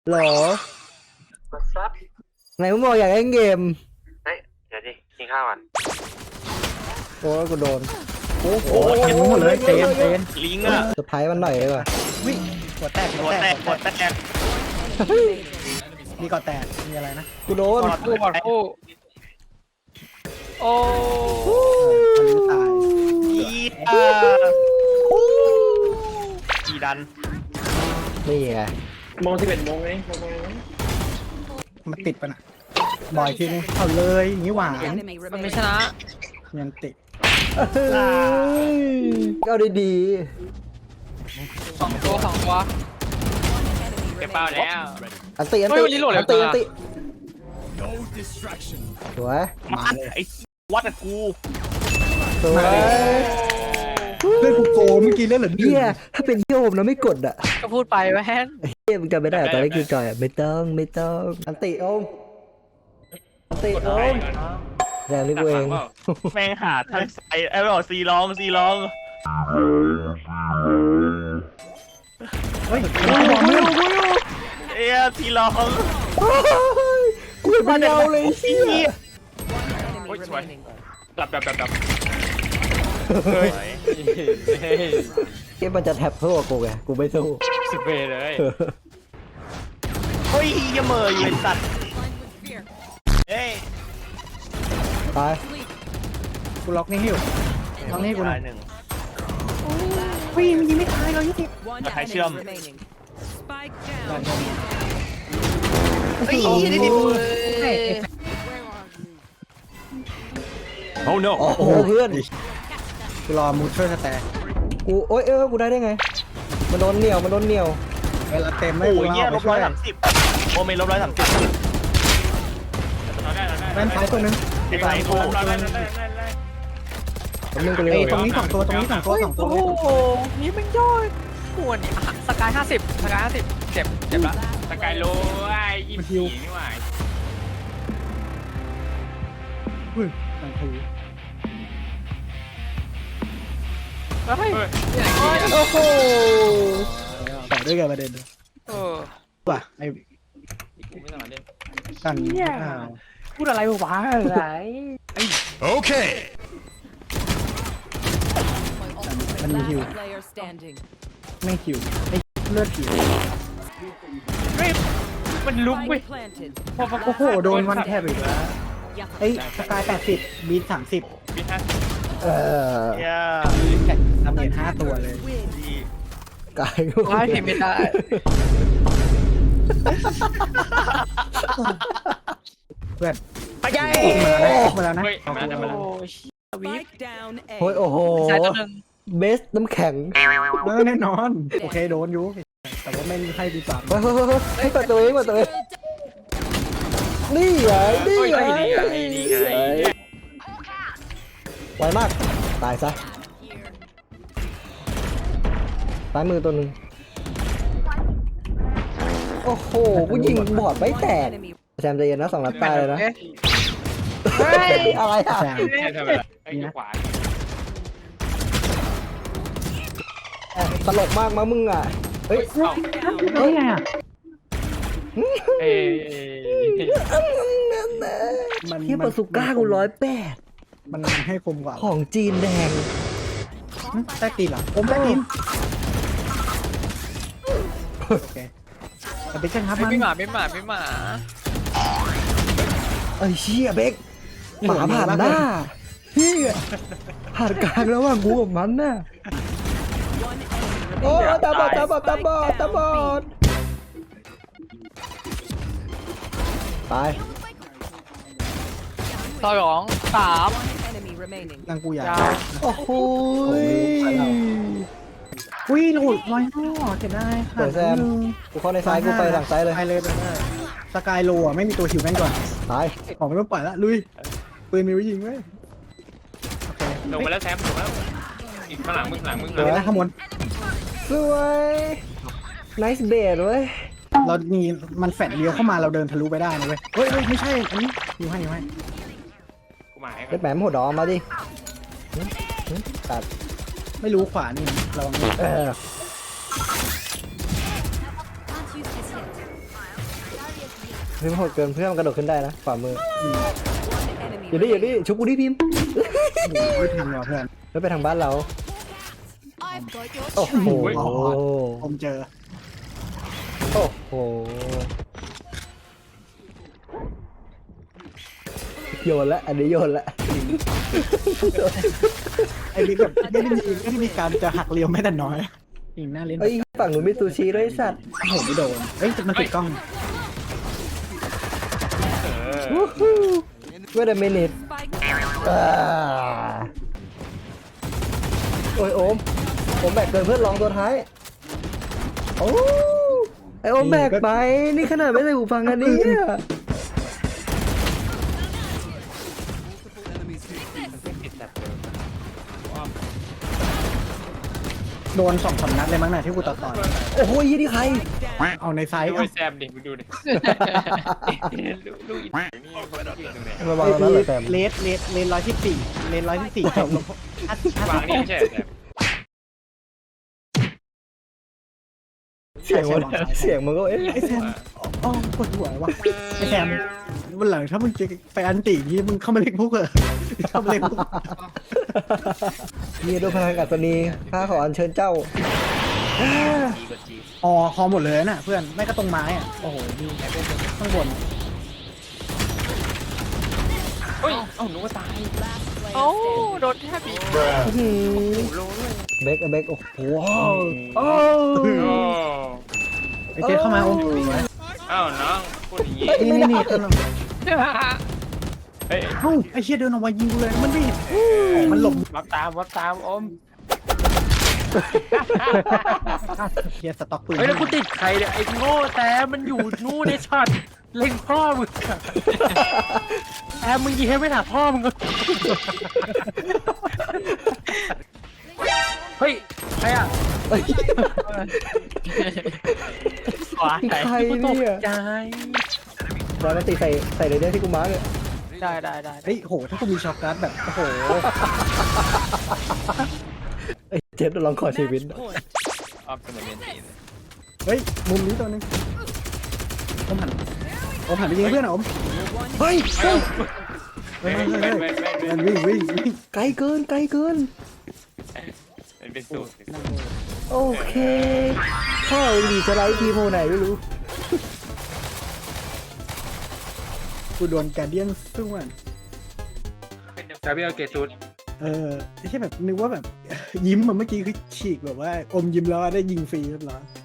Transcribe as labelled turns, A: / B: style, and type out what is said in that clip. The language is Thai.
A: หรอ
B: มาซับ
A: ไหนมึงบอกอยากเล่นเกม
B: เฮ้ยเดี๋ยวดิกินข้าวก่อน
A: โอ้ยกูโดน
C: โอ้โหเต็มหมดเลยเต็ม
D: ลิงอ่ะ
A: เซอร์ไพรส์มันหน่อยเลยว่ะ
C: วิ่งหัวแตก
D: หัวแตกหัวแตก
C: มีก่อแตกมีอะไรนะ
A: กูโดน
D: คู่บอดคู่โอ้
C: ทะลุตาย
D: กีดัน
A: นี่ไง
B: โมง11 โมงไงโมง
C: มันติดปะน่ะบ่อยทีนึงเอาเลยอย่างนี้หวาน
D: มันไม่ชนะ
C: ยังติด
A: ก็ดี
D: สองตัวเก็บเป้าแล้ว
A: ๆอันตีอันตี
D: เฮ้ยวันนี้โหลดเร็ว
A: อันตี
D: จังอะ
A: อันตีสวย
D: มาไอ้วัดกับกู
A: สวย
C: เพื่อนกูโกเมื่อกี้เล่นเหลือ
A: เฮียถ้าเป็นพี่โอมนะไม่กดอ่ะ
D: ก็พูดไปแว่น
A: เฮียมึงจำไม่ได้เหรอตอนนี้คือจอยอ่ะไม่ต้องอันตีโอมอันตีโอมแรงนี่กูเอง
D: แม่งหาทางใส่ไอ้บอกซีร้อง
C: เฮ้ยบอกมึง
D: เอ้ยซีร้อง
A: กูไม่เอาเลยเฮีย
D: โอ้ยสวยดับเฮ้ย
A: เกมมันจะแท็บเพื่อกูไงกูไม่สู้
D: สิบเบเลยเฮ้ยยังเหมยอยู่ไอ้สัตว์เฮ้ย
A: ตาย
C: กูล็อกนี่ให้อยู่ล็อกนี่ให้กูหน่อย
D: หนึ่ง
C: วิ่งมันยิงไม่ตายเรายุติ
D: ใครเชื่อม
C: เฮ้ยนี่ดิ
D: โอ้ no
A: โอ้โหเพื่อน
C: กูรอมูเทอร์สแตร์
A: กูโอ๊ยกูได้ไงมันโดนเหนียว
C: เวลาเต็มไม่
D: โอ้
C: กู
D: ย
C: เอา
D: เงี้ย
C: ไป
D: ลบ
C: ช่วย
D: 130โอเมนลบ130
C: แว่นซ้ายตัวนึง
D: ไอ้ไอ้โอ้
A: ผมนึงกูเลย
C: เอ้ยตรงนี้สองตัวโอ้โห
D: นี่มันย่อยปวดสกาย50เจ็บละสกายโลไอ้ยิมผีนี่หว่า
C: อุ้ยหนังถือ
D: เฮ้ย
A: โอ้โห
C: ต่อด้วยกันประเด็น ว่ะไอ้
D: ไม่ต้องเล่น
C: กัน
D: พูดอะไรวะอะไร
E: Okay.
C: มันมีฮิว
F: Player standing.
C: ไม่ฮิวไอ้เลือดหิว
D: มันลุกเว้ย
F: Spike planted.
C: โอ้โหโดนวันแทบอีกแล้วไอ้สกาย80บีท30
D: บินฮะ
A: เออ
D: เย้
C: ทำเงิน5ตัวเลย
A: กายกู
D: ไม่เห็นไม่ได้
C: เพื่อน
D: ไปยัย
C: มาแล้วนะ
D: เฮ้ยมาแล้ว
F: Spike down A.
A: โอ้ยโอ้โห
D: สายตัวหนึ่ง
A: เบสน้ำแข็ง
C: แน่นอน โอเคโดนอยู่ แต่ว่าไม่ให้ดีกว่า
A: ให้เปิดตัวเองนี่ไง
D: นี่ไงนี่ไง
A: ไวมากตายซะซ้ายมือตัวหนึ่งโอ้โหกูยิงบอดไม่แตก
F: Enemy.
A: แซมใจเย็นนะ2 นัดตายเลยนะอะไรอ่ะ
C: แซม
D: ใช่ทำอะไรไอ้ขวา
A: ตลกมากมั้งมึงอ่ะเฮ้ย
C: เฮ้ยไงอ่ะ
D: เอ้ย
A: เทียบกับสุก้ากู108
C: มันให้คมกว่า
A: ของจีนแดง
C: ใต้ตีนเหรอผมใต้ตีนโอเคแต่เป็นช่างครับมัน
D: ไม่หมา
A: ไอ้เชี่ยเบกหมาผ่านหน้าเฮียผ่านกลางระหว่างกูกับมันน่ะโอ้ตาบอดตาย
D: 2 3
F: Enemy remaining.
C: นางกูอยาก
A: โอ้โห
C: อุ้ยหลุดลอยนอกเสียดายค่ะ
A: เปิดแซมกูเข้าในซ้ายกูไปหลังซ้ายเลย
C: ไปเลยสกายโลอ่ะไม่มีตัวหิวแม่งก่อน
A: ตาย
C: ออกไม่ต้องปล่อยละลุยปืนมีไว้ยิงไว้โอเค
D: ลงมาแล้วแซมลงแล้วอีกข้างหลังมึง
C: เดี๋ยวนะขโมย
A: สวยไนส์เบดเว้ย
C: เรามีมันแฟดเลี้ยวเข้ามาเราเดินทะลุไปได้นะเว้ยเฮ้ยไม่ใช่อันนี้อยู่ให้
D: กูหมาย
A: เด็ดแหมหัวดอมมาดิตัด
C: ไม่รู้ขวานี่ระวัง
A: เออพิมพ์โหดเกินเพื่อนมันกระโดดขึ้นได้นะฝ่ามือ
F: Enemy
A: อยู่ดิชุบกูดิพิมพ์
C: ไม่ทันว่ะเพื่อน
A: แล้วไปทางบ้านเรา
F: I've got your
A: โอ้โห
C: ผมเจอ
A: โอ้โหโยนละอันนี้โยนละ
C: ไอ้นี่แบบไม่ได้มีการจะหักเลี้ยวแม้แต่น้อยยิงหน้าเล่น
A: เอ้ยฝั่งหนูมีซูชิด้วยไอ้สัตว์
C: โอ้โหไม่โดนเฮ้ยมันติดกล้อง
A: Wait a minute
F: spike.
A: โอ้ยโอมผมแบกเกินเพื่อนลองตัวท้ายโอ้ไอโอมแบกไปนี่ขนาดไม่ใส่หูฟังอันนี้
C: โดน2-3 นัดเลยมั้งน่ะที่กูต่อ
A: โอ้โหยี่นี่ใคร
C: เอาในไซส์
D: ดู
C: เอา
D: แซมดิมึงดูดิลูกอีนี่คนละยิงตรงไหน
A: ระวังแล้วนะเหรอแซม
C: เลส114เลส114จบ
D: วางนี่ไม่ใช่แซม
A: เสียงมันก็เอ๊ะ
C: ไอ้แซมอ๋อปวดหัวว่ะไอ้แซมวันหลังถ้ามึงจะไปอันตีนี่มึงเข้ามาเล่นพวกเหรอเข้ามาเล่นพวก
A: มีด้วยพลังอัศนีข้าขออัญเชิญเจ้า
C: อ๋อคอหมดเลยน่ะเพื่อนไม่ก็ตรงไม้อ่ะโอ้โหมีข้างบน
D: เฮ้ยเอ้าหนูก็ตายเอ้าโดนแทบบีบโลด้วย
A: เบกโอ้โหโอ้
C: ไอ้เจ๊เข้ามาโอ้โห
D: เอ้าน้องพูดอย่างงี้
C: นี่ข้างหลัง
D: เฮ้ย
C: เอ้าไอ้เชี่ยเดินออกมายิงกูเลยมันดิมันหลบ
D: วับตามอม
C: เฮียสต็อกปืน
D: เฮ้ยแล้วกูติดใครเนี่ยไอ้โง่แต่มันอยู่นู่นในช็อตเล็งพ่อมึงแอมมึงยิงให้ไม่ถามพ่อมึงก็เฮ้ยใครอ่ะ
A: เอ้ย
D: ขวา
A: ใครเนี่ย
D: ใจ
A: แล้วมันตีใส่เลยเนี่ยที่กูมาร์กเนี่ย
D: ได้
C: เฮ้ยโหถ้ากูมีช็อคการ์ดแบบโอ้โห
A: ไอ้เจ็บลองขอชีวิต
F: point.
D: ออฟเสมอเมนตีน
C: เฮ้ยมุมนี้ตัวนึงอมหันไปยิงเพื่อนอม
A: เฮ้ย
C: เฮ้ยมันวิ่ง
A: ไกลเกิน
D: มันเป็นสูตร
A: โอเคข้าวดีจะไลฟ์ทีโมไหนไม่รู้
C: กูโดนการเดียนสู้มัน
D: ซาเบียเกตูด
C: ไม่ใช่แบบนึกว่าแบบยิ้มมันเมื่อกี้คือฉีกแบบว่าอมยิ้มแล้วได้ยิงฟรีเรียบร้อย